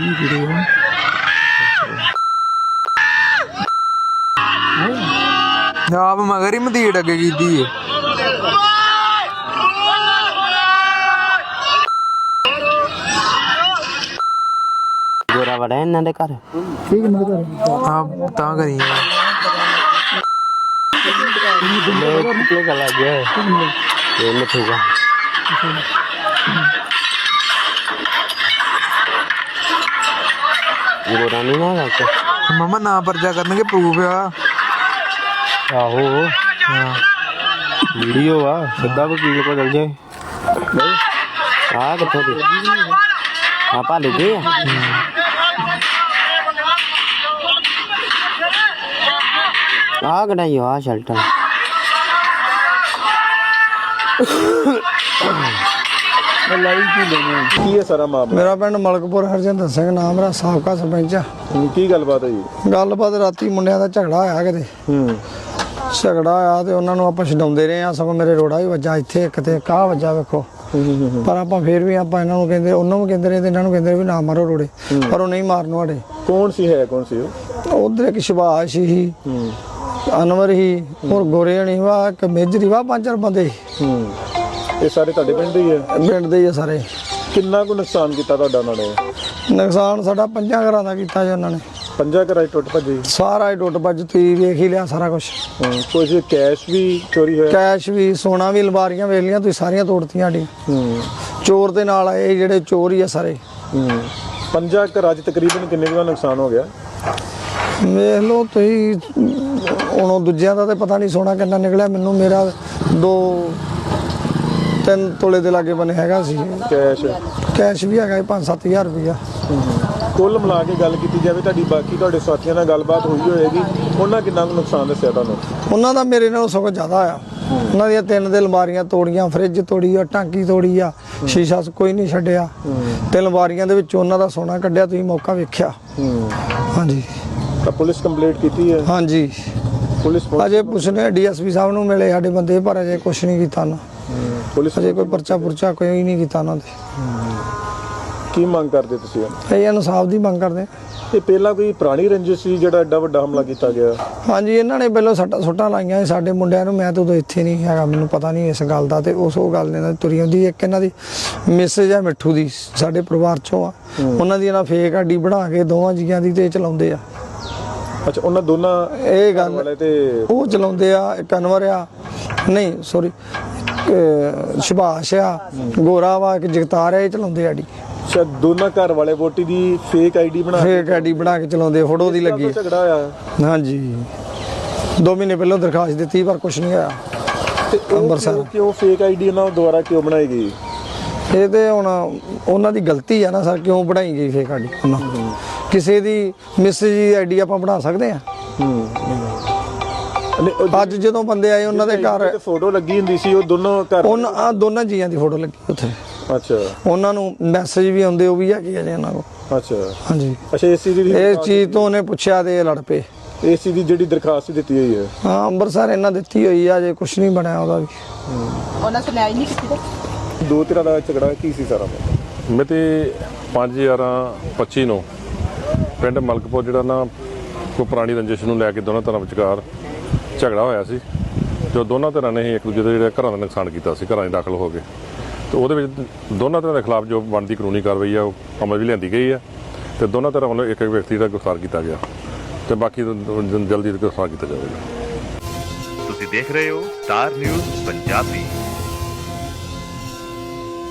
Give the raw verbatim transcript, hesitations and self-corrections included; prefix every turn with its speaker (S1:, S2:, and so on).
S1: आप मगर ही मदीड़ अगे की
S2: गोरा बड़ा है इन्होंने घर
S1: ठीक है घर हाँ ता करी
S2: गला गया ये मिठूगा गोरा नहीं ना लग
S1: मामा ना पर्चा करने प्रूफ आ
S2: आहो
S1: हाँ
S2: वीडियो आ सीधा वकील को चल जाए आ कितों दी हाँ भाले गए आ कढ़ाई आ शर्ट
S3: ਕੀ ਹੈ ਸਾਰਾ ਮਾਮਲਾ?
S4: ਮੇਰਾ ਪਿੰਡ ਮਲਕਪੁਰ ਹਰਜਿੰਦਰ ਸਿੰਘ ਨਾਮ ਮੇਰਾ ਸਾਬਕਾ ਸਰਪੰਚ ਆ।
S3: ਕੀ ਗੱਲਬਾਤ ਹੈ ਜੀ?
S4: ਗੱਲਬਾਤ ਰਾਤੀ ਮੁੰਡਿਆਂ ਦਾ ਝਗੜਾ ਹੋਇਆ ਕਿਤੇ
S3: ਹੂੰ
S4: ਝਗੜਾ ਹੋਇਆ ਤੇ ਉਹਨਾਂ ਨੂੰ ਆਪਾਂ ਛਡਾਉਂਦੇ ਰਹੇ ਆ। ਸਗੋਂ ਮੇਰੇ ਰੋੜਾ ਵੀ ਵੱਜਾ ਇੱਥੇ ਇੱਕ ਤੇ ਕਾਹ ਵੱਜਾ ਵੇਖੋ ਪਰ ਆਪਾਂ ਫੇਰ ਵੀ ਆਪਾਂ ਇਹਨਾਂ ਨੂੰ ਕਹਿੰਦੇ ਉਹਨਾਂ ਨੂੰ ਕਹਿੰਦੇ ਰਹੇ ਤੇ ਇਹਨਾਂ ਨੂੰ ਕਹਿੰਦੇ ਵੀ ਨਾ ਮਾਰੋ ਰੋੜੇ ਪਰ ਉਹ ਨਹੀਂ ਮਾਰਨ ਵਾਲੇ।
S3: ਕੌਣ ਸੀ ਹੈ ਕੌਣ ਸੀ ਉਹ?
S4: ਉਧਰ ਇੱਕ ਸ਼ਿਵਾਸ਼ ਸੀ
S3: ਹੂੰ
S4: ਅਨਵਰ ਹੀ ਹੋਰ ਗੋਰੇ ਹਣੀ ਵਾ ਇੱਕ ਮੇਜਰੀ ਵਾ ਪੰਜ ਚਾਰ ਬੰਦੇ
S3: ਹੂੰ ਇਹ ਸਾਰੇ ਤੁਹਾਡੇ ਪਿੰਡ ਦੇ ਹੀ ਹੈ?
S4: ਪਿੰਡ ਦੇ ਹੀ ਆ ਸਾਰੇ।
S3: ਕਿੰਨਾ ਕੁ ਨੁਕਸਾਨ ਕੀਤਾ ਤੁਹਾਡਾ ਉਹਨਾਂ ਨੇ?
S4: ਨੁਕਸਾਨ ਸਾਡਾ ਪੰਜਾਂ ਘਰਾਂ ਦਾ ਕੀਤਾ ਜੀ ਉਹਨਾਂ ਨੇ।
S3: ਪੰਜਾਂ ਘਰਾਂ 'ਚ ਟੁੱਟ ਭੱਜੇ?
S4: ਸਾਰਾ ਹੀ ਟੁੱਟ ਭੱਜ ਤੁਸੀਂ ਵੇਖ ਹੀ ਲਿਆ ਸਾਰਾ ਕੁਝ।
S3: ਕੁਝ ਕੈਸ਼ ਵੀ ਚੋਰੀ ਹੋਇਆ?
S4: ਕੈਸ਼ ਵੀ ਸੋਨਾ ਵੀ ਅਲਮਾਰੀਆਂ ਵੇਲੀਆਂ ਤੁਸੀਂ ਸਾਰੀਆਂ ਤੋੜਤੀਆਂ ਸਾਡੀਆਂ।
S3: ਹੂੰ
S4: ਚੋਰ ਦੇ ਨਾਲ ਆਏ ਜਿਹੜੇ ਚੋਰ ਹੀ ਆ ਸਾਰੇ।
S3: ਹੂੰ ਪੰਜਾਂ ਘਰਾਂ 'ਚ ਤਕਰੀਬਨ ਕਿੰਨੇ ਕੁ ਦਾ ਨੁਕਸਾਨ ਹੋ ਗਿਆ?
S4: ਵੇਖ ਲਓ ਤੁਸੀਂ ਹੁਣ ਦੂਜਿਆਂ ਦਾ ਤੇ ਪਤਾ ਨਹੀਂ ਸੋਨਾ ਕਿੰਨਾ ਨਿਕਲਿਆ ਮੈਨੂੰ ਮੇਰਾ ਦੋ ਤਿੰਨ ਤੋਲੇ ਦੇ ਲਾਗੇ ਬਣੇ ਹੈਗਾ ਸੀ
S3: ਕੈਸ਼
S4: ਕੈਸ਼ ਵੀ ਹੈਗਾ ਪੰਜ ਸੱਤ ਹਜ਼ਾਰ ਰੁਪਇਆ।
S3: ਕੁੱਲ ਮਿਲਾ ਕੇ ਗੱਲ ਕੀਤੀ ਜਾਵੇ ਤੁਹਾਡੀ ਬਾਕੀ ਤੁਹਾਡੇ ਸਾਥੀਆਂ ਨਾਲ ਗੱਲਬਾਤ ਹੋਈ ਹੋਏਗੀ ਉਹਨਾਂ ਕਿੰਨਾ ਕੁ ਨੁਕਸਾਨ ਦੱਸਿਆ ਤੁਹਾਨੂੰ?
S4: ਉਹਨਾਂ ਦਾ ਮੇਰੇ ਨਾਲੋਂ ਸਗੋਂ ਜ਼ਿਆਦਾ ਆ। ਉਹਨਾਂ ਦੀਆਂ ਤਿੰਨ ਦੇ ਅਲਮਾਰੀਆਂ ਤੋੜੀਆਂ ਫਰਿੱਜ ਤੋੜੀ ਆ ਟਾਂਕੀ ਤੋੜੀ ਆ ਸ਼ੀਸ਼ਾ ਕੋਈ ਨਹੀਂ ਛੱਡਿਆ ਤੇ ਅਲਮਾਰੀਆਂ ਦੇ ਵਿੱਚ ਉਹਨਾਂ ਦਾ ਸੋਨਾ ਕੱਢਿਆ ਤੁਸੀਂ ਮੌਕਾ ਵੇਖਿਆ। ਹਾਂਜੀ
S3: ਤਾਂ ਪੁਲਿਸ ਕੰਪਲੇਂਟ ਕੀਤੀ ਹੈ?
S4: ਹਾਂਜੀ
S3: ਪੁਲਿਸ
S4: ਅਜੇ ਪੁੱਛਨੇ ਡੀਐਸਪੀ ਸਾਹਿਬ ਨੂੰ ਮਿਲੇ ਸਾਡੇ ਬੰਦੇ ਪਰ ਅਜੇ ਕੁਛ ਨਹੀਂ ਕੀਤਾ ਨਾ।
S3: ਪੁਲਿਸ
S4: ਅਜੇ ਕੋਈ ਪਰਚਾ ਪੁਰਚਾ ਕੋਈ ਨਹੀਂ ਕੀਤਾ ਉਹਨਾਂ ਦੇ।
S3: ਕੀ ਮੰਗ ਕਰਦੇ ਤੁਸੀਂ?
S4: ਇਹ ਇਨਸਾਫ ਦੀ ਮੰਗ ਕਰਦੇ।
S3: ਇਹ ਪਹਿਲਾਂ ਕੋਈ ਪੁਰਾਣੀ ਰੰਜਿਸ਼ ਸੀ ਜਿਹੜਾ ਐਡਾ ਵੱਡਾ ਹਮਲਾ ਕੀਤਾ ਗਿਆ?
S4: ਹਾਂਜੀ ਇਹਨਾਂ ਨੇ ਪਹਿਲਾਂ ਸੱਟਾਂ ਸੁੱਟਾਂ ਲਾਈਆਂ ਸਾਡੇ ਮੁੰਡਿਆਂ ਨੂੰ। ਮੈਂ ਤਾਂ ਉਦੋਂ ਇੱਥੇ ਨਹੀਂ ਹੈਗਾ ਮੈਨੂੰ ਪਤਾ ਨਹੀਂ ਇਸ ਗੱਲ ਦਾ ਤੇ ਉਸ ਉਹ ਗੱਲ ਨੇ ਤੁਰੀ ਹੁੰਦੀ। ਇੱਕ ਇਹਨਾਂ ਦੀ ਮੈਸੇਜ ਆ ਮਿੱਠੂ ਦੀ ਸਾਡੇ ਪਰਿਵਾਰ ਚੋਂ ਆ ਉਹਨਾਂ ਦੀ ਇਹਨਾਂ ਫੇਕ ਆਈਡੀ ਬਣਾ ਕੇ ਦੋਵਾਂ ਜੀਆਂ ਦੀ ਤੇ ਚਲਾਉਂਦੇ ਆ।
S3: ਅੱਛਾ ਉਹਨਾਂ ਦੋਨਾਂ
S4: ਇਹ ਗੱਲ
S3: ਵਾਲੇ ਤੇ
S4: ਉਹ ਚਲਾਉਂਦੇ ਆ। ਇੱਕ ਅਨਵਰ ਆ ਨਹੀਂ ਸੌਰੀ ਸ਼ਿਭਾਸ਼ ਆ ਗੋਰਾ ਵਾ ਇੱਕ ਜਗਤਾਰ ਆ ਇਹ ਚਲਾਉਂਦੇ ਆਡੀ।
S3: ਅੱਛਾ ਦੋਨਾਂ ਘਰ ਵਾਲੇ ਵੋਟੀ ਦੀ ਫੇਕ ਆਈਡੀ ਬਣਾ
S4: ਫੇਕ ਆਈਡੀ ਬਣਾ ਕੇ ਚਲਾਉਂਦੇ ਫੋਟੋ ਦੀ ਲੱਗੀ।
S3: ਝਗੜਾ ਹੋਇਆ?
S4: ਹਾਂਜੀ ਦੋ ਮਹੀਨੇ ਪਹਿਲਾਂ ਦਰਖਾਸਤ ਦਿੱਤੀ ਪਰ ਕੁਛ ਨਹੀਂ ਹੋਇਆ।
S3: ਤੇ
S4: ਅੰਮ੍ਰਿਤਸਰ
S3: ਕਿਉਂ ਫੇਕ ਆਈਡੀ ਉਹਨਾਂ ਦੁਆਰਾ ਕਿਉਂ ਬਣਾਈ ਗਈ?
S4: ਇਹ ਤੇ ਹੁਣ ਉਹਨਾਂ ਦੀ ਗਲਤੀ ਆ ਨਾ ਸਰ ਕਿਉਂ ਬਣਾਈ ਗਈ ਫੇਕ ਆਈਡੀ ਉਹਨਾਂ ਕਿਸੇ ਦੀ ਮੈਸੇਜ ਦੀ ਆਈਡੀ ਆਪਾਂ ਬਣਾ ਸਕਦੇ ਆ। ਅੱਜ ਜਦੋਂ ਬੰਦੇ ਆਏ ਉਹਨਾਂ ਦੇ ਘਰ
S3: ਫੋਟੋ ਲੱਗੀ ਹੁੰਦੀ ਸੀ ਉਹ ਦੋਨੋਂ ਘਰ
S4: ਉਹਨਾਂ ਦੋਨਾਂ ਜੀਆਂ ਦੀ ਫੋਟੋ ਲੱਗੀ ਉੱਥੇ।
S3: ਅੱਛਾ ਉਹਨਾਂ
S4: ਨੂੰ ਮੈਸੇਜ ਵੀ ਆਉਂਦੇ ਉਹ ਵੀ ਹੈਗੇ ਆ ਜੀ ਉਹਨਾਂ ਕੋਲ।
S3: ਅੱਛਾ
S4: ਹਾਂਜੀ
S3: ਅੱਛਾ ਏਸੀ ਦੀ
S4: ਇਹ ਚੀਜ਼ ਤੋਂ ਉਹਨੇ ਪੁੱਛਿਆ ਤੇ ਇਹ ਲੜ ਪਏ।
S3: ਏਸੀ ਦੀ ਜਿਹੜੀ ਦਰਖਾਸਤ ਦਿੱਤੀ ਹੋਈ ਹੈ?
S4: ਹਾਂ ਅੰਮ੍ਰਿਤਸਰ ਇਹਨਾਂ ਦਿੱਤੀ ਹੋਈ ਆ ਜੇ ਕੁਝ ਨਹੀਂ ਬਣਿਆ ਉਹਦਾ ਵੀ।
S5: ਉਹਨਾਂ ਸੁਣਾਈ ਨਹੀਂ ਕੀਤੀ।
S3: ਦੋ ਤਰ੍ਹਾਂ ਦਾ ਝਗੜਾ ਕੀ ਸੀ ਸਾਰਾ?
S6: ਮਿਤੀ ਪੰਜ ਗਿਆਰਾਂ ਪੱਚੀ ਨੂੰ ਪਿੰਡ ਮਲਕਪੁਰ ਜਿਹੜਾ ਨਾ ਕੋਈ ਪੁਰਾਣੀ ਰੰਜਿਸ਼ ਨੂੰ ਲੈ ਕੇ ਦੋਨਾਂ ਧਿਰਾਂ ਵਿਚਕਾਰ ਝਗੜਾ ਹੋਇਆ ਸੀ। ਜੋ ਦੋਨਾਂ ਧਿਰਾਂ ਨੇ ਹੀ ਇੱਕ ਦੂਜੇ ਦੇ ਜਿਹੜੇ ਘਰਾਂ ਦਾ ਨੁਕਸਾਨ ਕੀਤਾ ਸੀ ਘਰਾਂ 'ਚ ਦਾਖਲ ਹੋ ਕੇ ਤੇ ਉਹਦੇ ਵਿੱਚ ਦੋਨਾਂ ਧਿਰਾਂ ਦੇ ਖਿਲਾਫ ਜੋ ਬਣਦੀ ਕਾਨੂੰਨੀ ਕਾਰਵਾਈ ਆ ਉਹ ਅਮਲ ਵੀ ਲਿਆਂਦੀ ਗਈ ਆ ਤੇ ਦੋਨਾਂ ਧਿਰਾਂ ਵੱਲੋਂ ਇੱਕ ਇੱਕ ਵਿਅਕਤੀ ਦਾ ਗ੍ਰਿਫਤਾਰ ਕੀਤਾ ਗਿਆ ਤੇ ਬਾਕੀ ਜਲਦੀ ਗ੍ਰਿਫਤਾਰ ਕੀਤਾ ਜਾਵੇਗਾ।
S7: ਤੁਸੀਂ ਦੇਖ ਰਹੇ ਹੋ ਸਟਾਰ ਨਿਊਜ਼ ਪੰਜਾਬੀ।